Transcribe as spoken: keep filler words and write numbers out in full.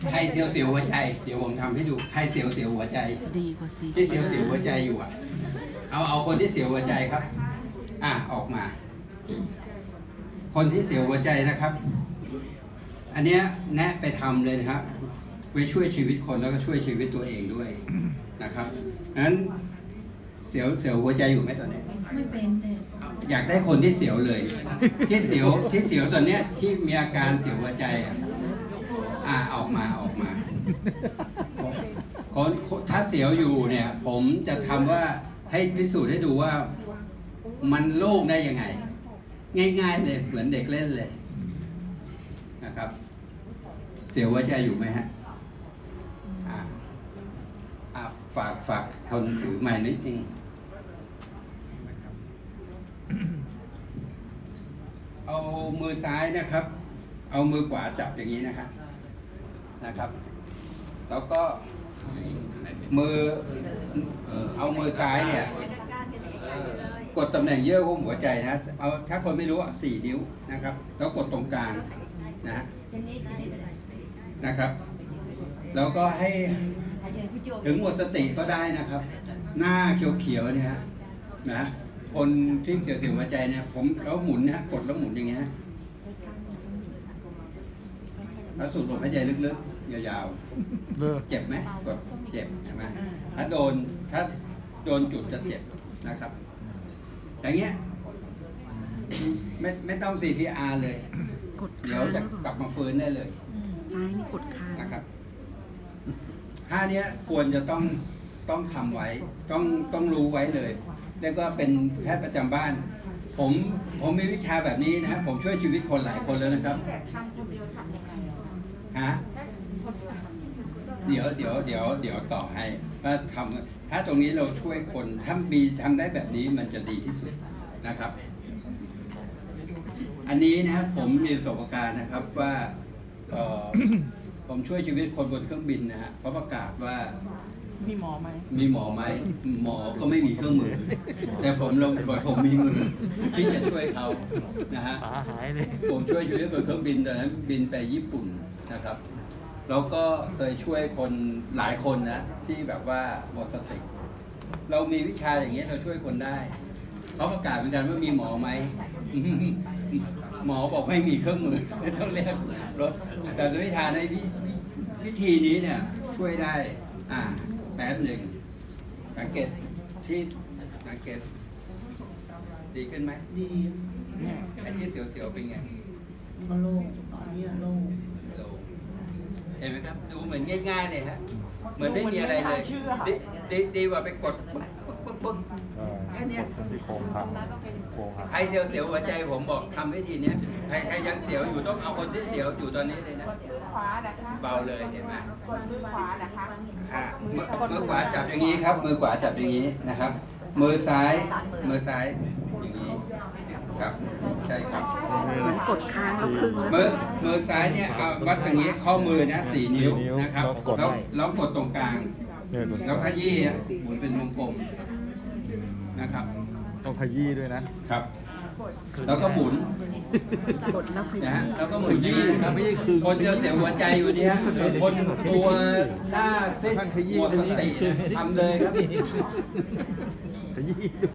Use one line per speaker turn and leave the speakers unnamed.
ใครเสียวเสียวหัวใจเดี๋ยวผมทำให้ดูใครเสียวเสียวหัวใจ
ดีกว่าสิ
ที่เสียวเสียวหัวใจอยู่อ่ะเอาเอาคนที่เสียวหัวใจครับอ่ะออกมา คนที่เสียวหัวใจนะครับ อันเนี้ยแนะไปทำเลยนะครับไปช่วยชีวิตคนแล้วก็ช่วยชีวิตตัวเองด้วยนะครับนั้นเสียวเสียวหัวใจอยู่ไหมตอนนี้ไม่เป็นอยากได้คนที่เสียวเลย ที่เสียวที่เสียวตอนเนี้ยที่มีอาการเสียวหัวใจอ่ะอ่าออกมาออกมาคนถ้าเสียวอยู่เนี่ย ผมจะทำว่าให้พิสูจน์ให้ดูว่ามันโล่งได้ยังไง ง่ายๆเลยเหมือนเด็กเล่นเลยนะครับ เสียวหัวใจอยู่ไหมฮะอ่าอ่าฝากฝากคนถือไม้นิดนึงนะครับเอามือซ้ายนะครับ เอามือขวาจับอย่างนี้นะครับนะครับ แล้วก็มือเอามือซ้ายเนี่ยกดตำแหน่งเยื่อหุ้มหัวใจนะเอาถ้าคนไม่รู้อ่ะสี่นิ้วนะครับ แล้วกดตรงกลางนะนะครับ แล้วก็ให้ถึงหมดสติก็ได้นะครับ หน้าเขียวๆเนี่ยฮะนะคนที่เสียวๆหัวใจเนี่ยผมแล้วหมุนนะกดแล้วหมุนอย่างเงี้ยแล้วสูดลมหายใจลึกๆยาวๆเจ็บไหมกดเจ็บใช่ไหมถ้าโดนถ้าโดนจุดจะเจ็บนะครับอย่างเงี้ยไม่ไม่ต้อง ซี พี อาร์ เลยเดี๋ยวจะกลับมาฟื้นได้เลย
ซ้ายนี่กดค้าง
นะครับท่านี้ควรจะต้องต้องทำไว้ต้องต้องรู้ไว้เลยแล้วก็เป็นแพทย์ประจำบ้านผมผมมีวิชาแบบนี้นะผมช่วยชีวิตคนหลายคนแล้วนะครับฮะเดี๋ยวเดี๋ยวเดี๋ยวเดี๋ยวต่อให้ว่าทำถ้าตรงนี้เราช่วยคนถ้ามีทำได้แบบนี้มันจะดีที่สุดนะครับ อันนี้นะครับผมมีประสบการณ์นะครับว่าผมช่วยชีวิตคนบนเครื่องบินนะฮะเขาประกาศว่า
มีหมอไหม
มีหมอไหมหมอก็ไม่มีเครื่องมือแต่ผมลงบ่อยผมมีมือที่จะช่วยเขานะฮะผมช่วยชีวิตบนเครื่องบินตอนนั้นบินไปญี่ปุ่นนะครับแล้วก็เคยช่วยคนหลายคนนะที่แบบว่าหมดสติเรามีวิชาอย่างเงี้ยเราช่วยคนได้เขาประกาศเหมือนกันว่ามีหมอไหมหมอบอกไม่มีเครื่องมือต้องเรียกรถแต่วิชาในวิธีนี้เนี่ยช่วยได้อ่าแป๊บหนึ่งสังเกตที่สังเกตดีขึ้นไหม
ดี
ไอ้ที่เสียวๆเป็นไง
ก็โล่งตอนนี้โล่ง
เห็นไหมครับดูเหมือนง่ายๆเลยฮะเหมือนไม่มีอะไรเลยดีดีดีกว่าไปกดปึ๊กปึ๊กปึ๊กปึ๊กแค่นี้
โค้งพังโค้งพัง
ใครเสียวๆหัวใจผมบอกทำวิธีนี้ใครใครยังเสียวอยู่ต้องเอาคนที่เสียวอยู่ตอนนี้เลยนะเบาเลยเห็นไหม
มือขวานะคะ
อ่ามือขวาจับอย่างนี้ครับ มือขวาจับอย่างนี้นะครับ มือซ้ายมือซ้ายอย่างนี้ครับใช่ครับ
มันกดค้างแล้วครึ่งแล้ว
มือมือซ้ายเนี่ยเอาวัดอย่างนี้ข้อมือนะสี่นิ้วนะครับแล้วแล้วกดตรงกลางแล้วขยี้หมุนเป็นวงกลมนะครับ
ต้องขยี้ด้วยนะครับ
แล้วก็หมุน
กดแล้ว
นะฮะแล้วก็หมุนยี่นะครับคนเจอเสียหัวใจอยู่เนี่ยคนตัวหน้าเส้นหมดสติทำเลยครับ
ขยี้